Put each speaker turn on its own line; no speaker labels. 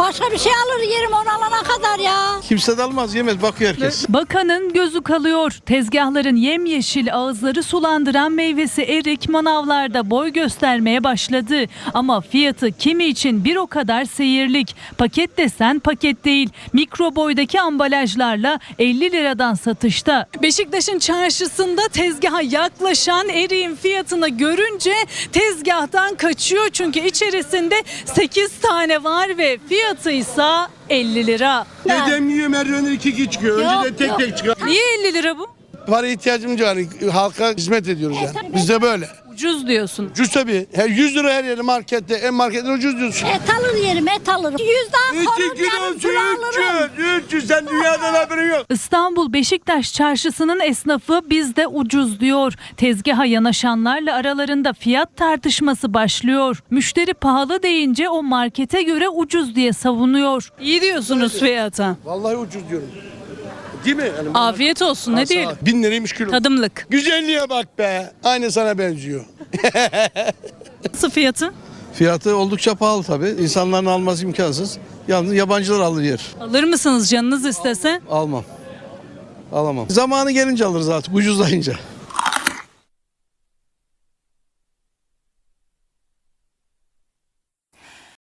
Başka bir şey alır yerim onu alana kadar ya.
Kimse de almaz, yemez, bakıyor herkes.
Bakanın gözü kalıyor. Tezgahların yemyeşil, ağızları sulandıran meyvesi erik manavlarda boy göstermeye başladı. Ama fiyatı kimi için bir o kadar seyirlik. Paket desen paket değil. Mikro boydaki ambalajlarla 50 liradan satışta. Beşiktaş'ın çarşısında tezgaha yaklaşan eriğin fiyatını görünce tezgahtan kaçıyor. Çünkü içerisinde 8 tane var ve fiyatı ise 50 lira.
Dedem yiyor, merdivenden 2 çıkıyor. Önceden tek tek çıkar.
Niye 50 lira bu?
Para ihtiyacımız var. Halka hizmet ediyoruz yani. Biz de böyle.
Ucuz diyorsun.
Ucuz tabii. 100 lira her yeri markette. En marketten ucuz diyorsun.
Et alır yerim et alırım. 100 daha korum yarım kilo alırım.
300. Sen dünyadan haberin yok.
İstanbul Beşiktaş çarşısının esnafı bizde ucuz diyor. Tezgaha yanaşanlarla aralarında fiyat tartışması başlıyor. Müşteri pahalı deyince o markete göre ucuz diye savunuyor. İyi diyorsunuz fiyata.
Vallahi ucuz diyorum. Değil mi? Yani
Afiyet olsun ne diyelim.
1000 liraymış kilo.
Tadımlık.
Güzelliğe bak be. Aynı sana benziyor.
Nasıl fiyatı?
Fiyatı oldukça pahalı tabii. İnsanların alması imkansız. Yalnız yabancılar alır yer.
Alır mısınız canınız istese?
Almam. Alamam. Zamanı gelince alırız artık ucuzlayınca.